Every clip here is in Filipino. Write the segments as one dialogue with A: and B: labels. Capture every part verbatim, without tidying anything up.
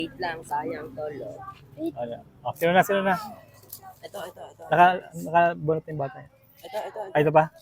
A: Wait lang, sayang tolo.
B: Ano? Oh, sino na, sino na?
A: Ito, ito, ito.
B: Naka, nakabunot yung bata.
A: Ito, ito, ito.
B: Ay, ito pa?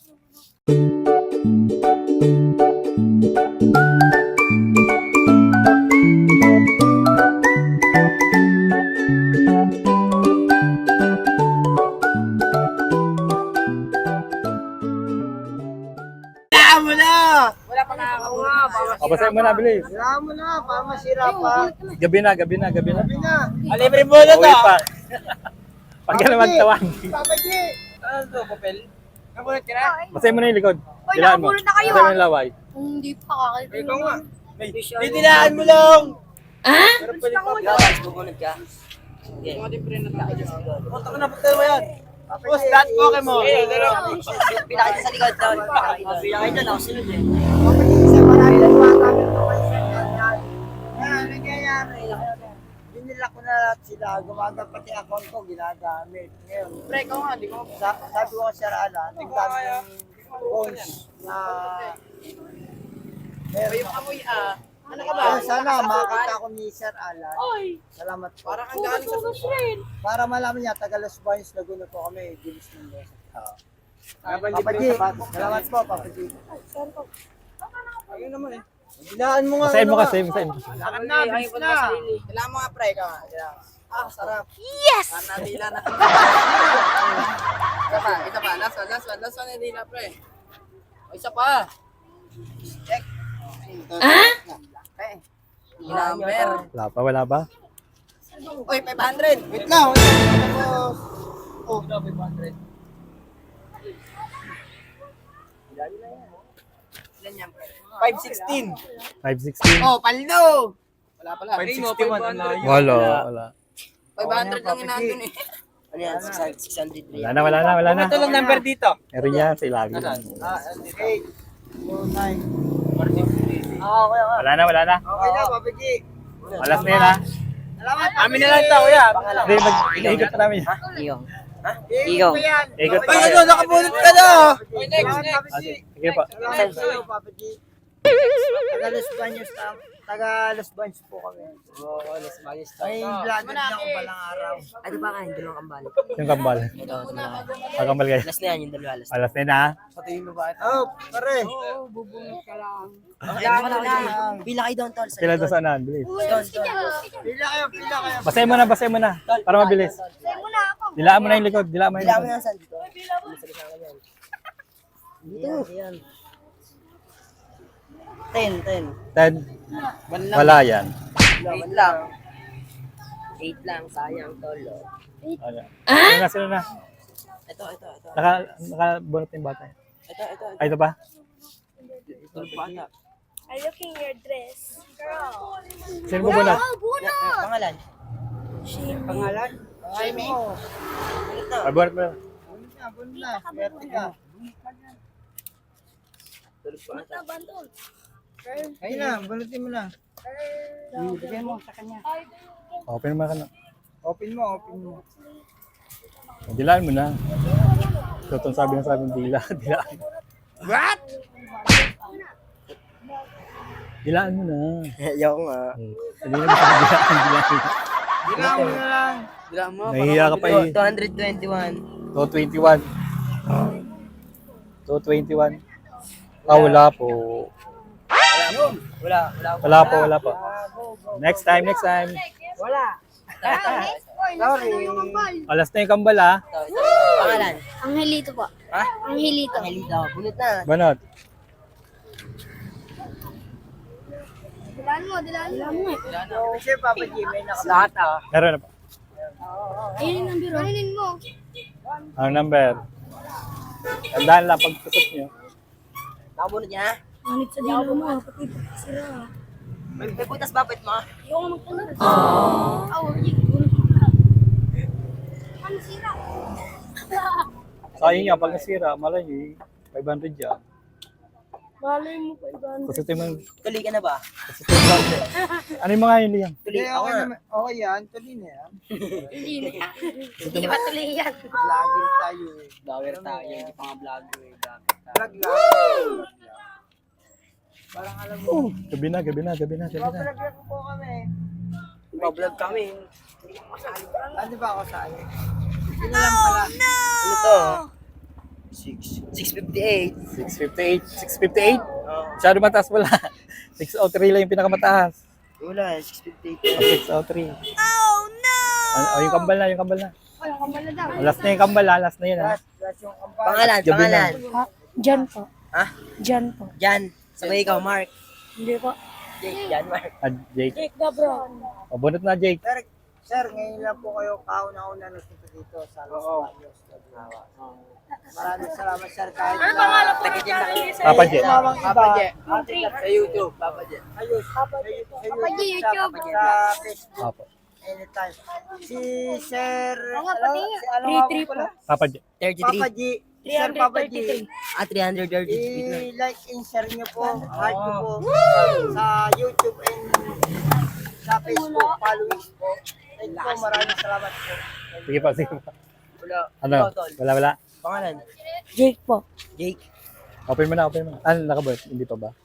C: Wala mo na!
A: Wala pa nakakakuha.
B: O, basahin mo na, bilis.
C: Wala mo na, para masira pa.
B: Gabi na, gabi na, gabi na.
C: Sabi na.
A: Alibre mo na
B: Uwi pa. Pag ka naman tawan.
C: Papa G!
A: Ano to, papel? Nabulat ka na?
B: Basahin mo na yung likod.
D: Oy,
B: Dilaan mo.
D: nakabunot na kayo,
B: Basahin mo
D: ah.
B: yung laway.
D: Hindi pa kakalimutan.
A: Ikaw nga.
C: Didilaan mo lang!
A: Pero pwede pa. Guys, bubunod ka. Okay. Mga din pre na tayo.
C: Punta ka na, punta mo yan. Tapos that Pokemon.
A: Eh, dalawa. Pinakita sa likod daw. Pinakita na ako sunod eh.
C: Papa G, isa marami na namin ito kayo sa ganyan. Ano nangyayari? Binila ko na lahat sila. Gumagamit pati account ko, ginagamit. Ngayon,
A: Pre, ikaw nga, di ko.
C: sa, sabi ko sa Alan, tignan yung phones na meron
A: Yung amoy ah. Ano ka ba?
C: Ah, sana makita ko ni Sir Alan. Salamat po.
A: Parang ang galing sa susunod.
C: Para malaman niya, taga Los Baños, Laguna po kami, Gilis ng Los. Papa G, salamat po, Papa G.
A: Ayun naman eh.
C: Dilaan mo nga.
B: Basahin mo
C: ano
B: kasi,
C: nga.
B: basahin mo.
C: Lakad na, bilis na.
A: Kailangan mo nga pre, ikaw nga. Kailangan. Ah, sarap.
D: Yes!
A: Ah, nadila na. Isa pa, isa pa. Last one, last one. Last one, nadila pre. O, isa pa. Check.
D: Ah?
A: Okay. Number.
B: Wala pa, wala pa.
A: Uy, five hundred.
C: Wait lang, wait lang. Tapos,
A: Oh, five hundred. Ilan yan, pre?
C: five sixteen.
B: five sixteen.
A: Oh, paldo! Wala pala.
C: five sixty-one.
B: Wala, wala.
A: five hundred lang inaandun eh. Ano yan? six hundred.
B: Wala na, wala na, wala na.
C: Ito lang number dito.
B: Meron yan sa ilalim.
C: Ah, eight, two, nine.
A: Ah, okay, okay.
B: Wala na, wala na.
C: Okay na, Papa G.
B: Alas na yun, ha?
C: Salamat. Amin na lang ito, kuya.
B: Hindi, mag-iikot pa namin.
A: Iyo.
C: Iyo.
B: Ikot pa
C: Ay,
B: kayo.
C: ano, nakabunot ka na.
A: Oy, next,
C: Salamat,
A: next.
C: Papa G.
B: Sige po.
C: Salamat sa'yo, Papa G. Taga Los Baños, tam- taga Los Baños po kami.
A: Oo, Los Baños.
C: Ay, vlogger na ako palang araw.
A: Ano ba kain? Dalawang kambal.
B: Yung kambal.
A: Ito, ito na.
B: Pagkambal kayo.
A: Last na yan, yung dalawa. Last.
B: Alas na yun, ha?
A: Patayin mo ba ito?
C: Oh, pare.
A: Okay, wala ka lang. Pila kayo doon, tol. Sa
B: Kailan
A: likod.
B: to saan? Bilis.
A: Doon, doon.
C: Pila kayo, pila kayo.
B: Basahin mo na, basahin mo na. Para mabilis.
D: Sa'yo muna ako.
B: Dilaan mo na yung likod. Dilaan mo na yung
A: Pila mo
B: likod.
A: yan, saan dito? Dito. Yan. Ten, ten.
B: Ten.
A: One lang.
B: Wala yan.
A: Eight lang. Eight lang, sayang tolo.
B: Ano? Sino na, sino na?
A: Ito, ito, ito.
B: Naka, nakabunot yung bata.
A: Ito, ito, ito.
B: Ay, ito pa?
A: Ito, bata.
D: I looking your dress. Girl.
B: Sino po bunot?
D: Oh, bunot!
A: Pangalan?
C: Pangalan?
A: Jaime. Ito.
B: Ay, bunot mo.
C: Bunot na, bunot na. Swerte ka.
D: Bunot na, bandol.
C: Ayun na, bunutin mo na.
A: Bigyan mo sa kanya.
B: Open mo ka na.
C: Open mo, open mo.
B: Dilaan mo na. Ito itong sabi ng sabi ng dila. Dilaan mo.
C: What?
B: Dilaan mo na.
A: Ayaw nga.
B: Sabi na mo sa dilaan. Dilaan mo.
C: Dilaan mo na lang.
A: Dila mo.
B: Nahihiya ka pa eh.
A: two twenty-one.
B: two twenty-one. two twenty-one. Ah, wala po.
A: Wala. Wala.
B: Wala po, wala po. Next time, next time.
C: Wala.
D: Oy, nasa na yung kambal.
B: Alas na yung kambal, ha?
A: Ito, ito. Pangalan?
D: Angelito po.
A: Ha?
D: Angelito.
A: Angelito. Bunot na.
B: Banot.
D: Dilaan mo, dilaan mo.
C: Kasi Papa G, may naka...
A: Lahat ah.
B: Meron na po.
D: Ayun yung number. Aninin mo.
B: Ang number. Tandaan lang pagtusok nyo.
A: Nakabunot niya?
D: Manit sa dilo mo. Pati sira.
A: May, may butas bakit mo?
D: Ayoko magtanong. Aww. Aw, hindi. Bunot mo na. Ano sira?
B: Sayang nga, pag nasira, malay nyo, five hundred yan.
D: Malay mo pa iban.
B: Kasi ito yung,
A: Tuloy ka na ba?
B: kasi ito yung ano yung mga yun liyan?
A: Tuloy
C: Hindi,
A: ako
C: okay,
A: nga.
C: naman. Okay yan, tuloy na yan.
D: Hindi na. Hindi ba tuloy yan?
C: Vlogger tayo eh.
A: Vlogger tayo. Hindi pa nga vlogger eh.
C: Vlog lang. Parang alam mo.
B: Gabi na, gabi na, gabi na, gabi na.
C: Vlogger ko po kami. Nagbablog kami. Ano ba ako sa akin? Yun na lang pala. Ano to? six fifty-eight.
B: six fifty-eight. six fifty-eight?
C: Oo.
B: Masyado mataas wala. six oh three lang yung pinakamataas.
C: Wala, six fifty-eight.
B: six oh three. Oh no! Oh, yung kambal na, yung kambal na.
D: Ay, ang kamala daw.
B: Oh, last na yung kambal ha, last na yun ha.
C: Last, last yung kampanya. Pangalan,
B: Gabi na.
C: pangalan.
D: Ha? Jan po.
C: Ha?
D: Jan po.
C: Jan. Sabay ikaw, Mark.
D: Hindi po.
C: Jake, Jan, Mark.
B: Ah, Jake.
D: Jake Gabron.
B: Oh, bunot na Jake.
C: Sir, sir, ngayon lang po kayo kauna-una nagpunta dito sa Los Baños, Laguna. Maraming salamat, sir. Kahit na tagitin na kayo.
B: Papa J.
C: Tumawang iba.
A: Papa J.
C: Ate,
A: Sa YouTube, Papa J.
C: Ayos. Papa J.
D: Papa J, YouTube.
C: Sa Facebook.
B: Opo.
C: Anytime. Si Sir...
D: Oo nga,
C: ano?
D: pati.
C: Si ano
D: three
C: nga
D: three
C: po pala?
B: Papa J.
C: Papa G. Sir Papa G.
E: Ah, three hundred thirty.
C: I-like and share nyo po. Heart nyo po. Sa YouTube and sa Facebook. Followers po. Thank you po. Maraming salamat po.
B: Sige pa, sige pa.
C: Wala.
B: Ano? Wala, wala.
C: Pangalan?
D: Jake po.
C: Jake.
B: Open mo na, open mo na. Ano, nakabot? Hindi pa ba?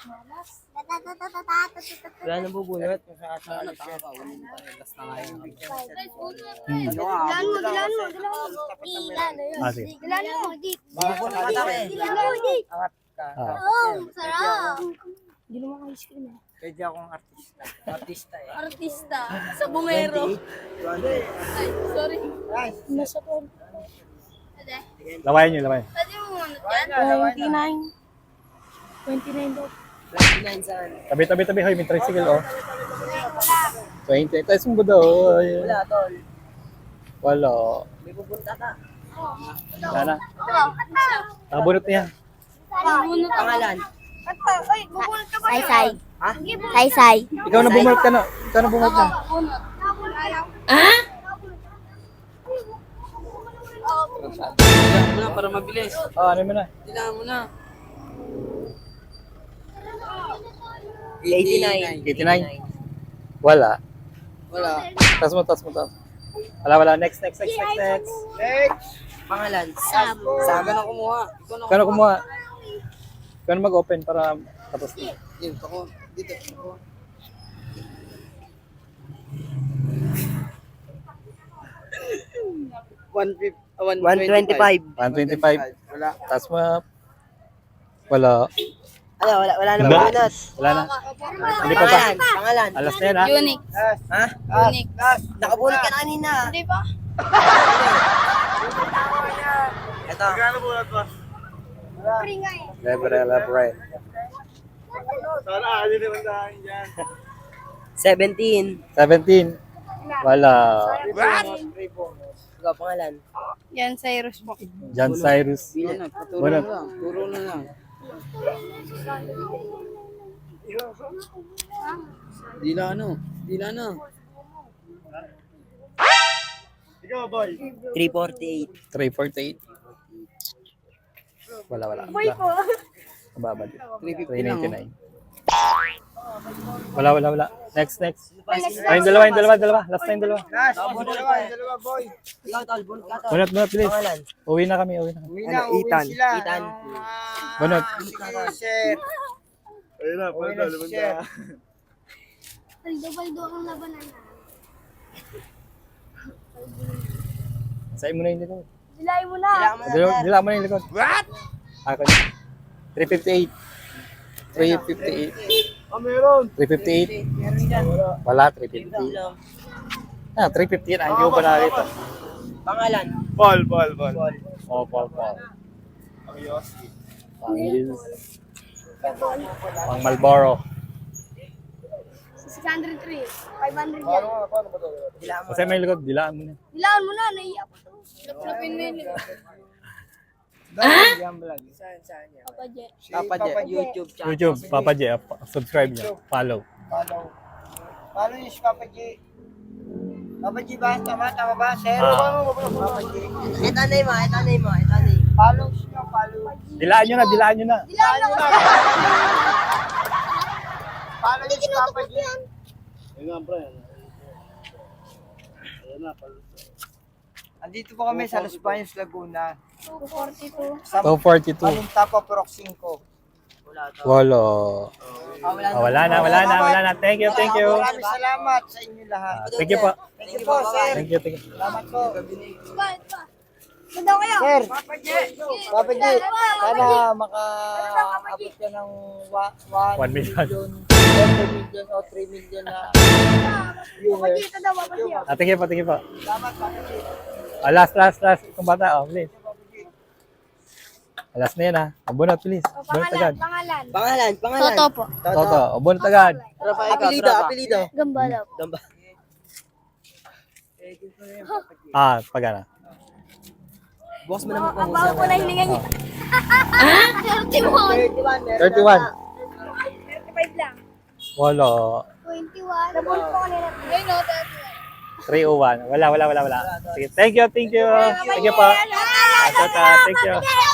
C: Wala nang bubunot.
A: Ano, tama ka. Unin pa rin. Last na nga yun.
B: Hmm.
C: Ano nga?
D: Dilan mo, dilan mo, dilan mo. Dilan mo yun.
B: Ah, sige.
D: Dilan mo, Jake.
C: Bubunot ka na eh.
D: Dilan mo, Jake.
C: Angat ka.
B: Ah.
D: Oh, sarap. Hindi naman kayo screen eh.
C: Pwede akong artista. Artista eh.
D: Artista. Sa bumero. Ay, sorry.
C: Guys,
D: Nasa po. Ade.
B: Lawayan nyo, lawayan.
D: Pwede mo muna
C: lawayan
D: dyan.
C: na, lawayan na.
D: twenty-nine. twenty-nine daw.
C: twenty-nine saan?
B: Tabi, tabi, tabi. Hoy, may tricycle, oh. twenty. Tayo sumbo daw. oh. Ayun.
C: Wala, tol.
B: Wala.
C: May pupunta ka.
B: Wala na.
D: Ito.
B: Nakabunot niya.
D: Bubunot ako.
C: Pangalan?
D: Ito. Ay, bubunot ka ba?
E: Say-say.
C: Ha?
E: Say-say.
B: Ikaw na bumulot ka na. Ikaw na bumulot na.
D: Bubunot.
E: Ah?
A: Dilaan mo na para mabilis.
B: Ah, ano mo na?
A: Dilaan mo na.
C: eighty-nine.
B: eighty-nine. Wala.
A: Wala.
B: Tas mo, tas mo, tas. Wala, wala. Next, next, next, next, next.
C: Next. Pangalan? Sabo.
A: Ikaw na kumuha. Ikaw na
B: Ikaw na kumuha. Ikaw na mag-open para tapos na.
A: Yun, ako. Dito. Ako. One fifty.
C: one twenty-five.
B: one twenty-five.
A: Wala.
B: Tas mo. Wala.
C: Ano, wala, wala na
B: Wala.
C: bubunot.
B: Wala na. Hindi pa ba?
C: Pangalan? Pangalan?
B: Alas na yan, ha?
D: Unique.
C: Last.
E: Ha?
C: Unique. Last.
E: Nakabunot ka na kanina.
D: Hindi pa.
E: Ito.
D: Free nga eh.
B: Lebre, lebre.
C: seventeen.
B: seventeen. Wala.
C: Ikaw, pangalan?
D: Yan, Cyrus po.
B: John Cyrus.
A: Wala. Paturo
B: Wala.
A: na lang. Turo na lang. Dila ano? Dila na.
C: three forty-eight.
B: three forty-eight. Wala, wala. Wala. Mababa din.
A: three fifty
B: three
A: lang.
B: ninety-nine. Wala, wala, wala. Next, next. Ay, yung dalawa, yung dalawa, dalawa. Last time, dalawa.
C: Last. Dalawa, dalawa, boy.
E: Ikaw, tol. Bunot ka, tol.
B: Bunot, bunot, please.
C: Pangalan?
B: Uwi na kami, uwi na kami.
C: Uwi na, uwi sila.
E: Ethan.
B: Bunot.
C: Sige, sir. Uwi na, si sir.
D: Baldo-baldo ang labanan na.
B: Sa'yo mo na yung likod.
D: Dilay mo na.
B: Dila, dila mo na yung likod. What? Ako na. three fifty-eight. three fifty-eight.
C: Ah, meron.
B: three fifty-eight. Wala, three fifty. Ah, three fifty yan. Ay, hindi ko pa nakakita.
C: Pangalan?
B: Paul, Paul, Paul. Oh, Paul, Paul. Pangils. Pang Malboro.
D: six hundred three. five hundred yan.
B: Kasi may likod, dilaan mo na.
D: Dilaan mo na. Naiiyak ko to. Lapin mo yun.
C: Ah?
A: Saan, saan yan?
D: Papa J.
C: Papa J. YouTube channel.
B: YouTube, Papa J. ah, Subscribe niyo. Follow.
C: Follow. Follow niyo si Papa J. Papa J ba? Tama, tama ba? Sir?
B: Ah.
C: Papa J.
E: Ito na mo, ito na mo, ito na
C: Follow niyo, follow.
B: Dilaan nyo na, dilaan nyo na.
D: Dilaan mo na.
C: Follow niyo si Papa J. Andito po kami sa Los Baños, Laguna.
D: two forty-two.
C: Sa
B: two forty-two.
C: Balintapa, Purok five.
B: Wala.
E: Ah, wala
B: Ah, wala na, wala na, wala na. Thank you, thank you.
C: Maraming salamat sa inyo lahat.
B: Ah, thank you po.
C: Thank you po, sir.
B: Thank you, thank you.
C: Salamat po.
D: Ito, ito. Ganda kayo.
C: Sir, Papa G, sana makaabot ka ng wa- one
B: One million.
C: million, one million o three million na viewers.
D: Ito daw, Papa G.
B: Ah, thank you po, thank you po.
C: Salamat, Papa G.
B: Ah, last, last, last. Itong bata, oh, please. Ah, last na yan, ha. Abunot, please.
D: O,
B: Abunot
D: pangalan,
B: agad.
D: pangalan.
E: Pangalan, pangalan.
D: Toto po.
B: Toto, abunot agad.
E: Apelido, apelido.
D: Gamba daw.
E: Gamba.
B: Ah, pagana.
E: Bukas mo naman
D: Ang baho po na hilingan niya. thirty-one.
C: thirty-one, meron
B: thirty-one.
C: na.
D: thirty-five lang.
B: Wala.
D: twenty-one. Nabul po kanina. Ayun o, thirty-one.
B: three oh one. Wala, wala, wala, wala. Sige, thank you, thank you. Thank you po. Ah, tata, thank you.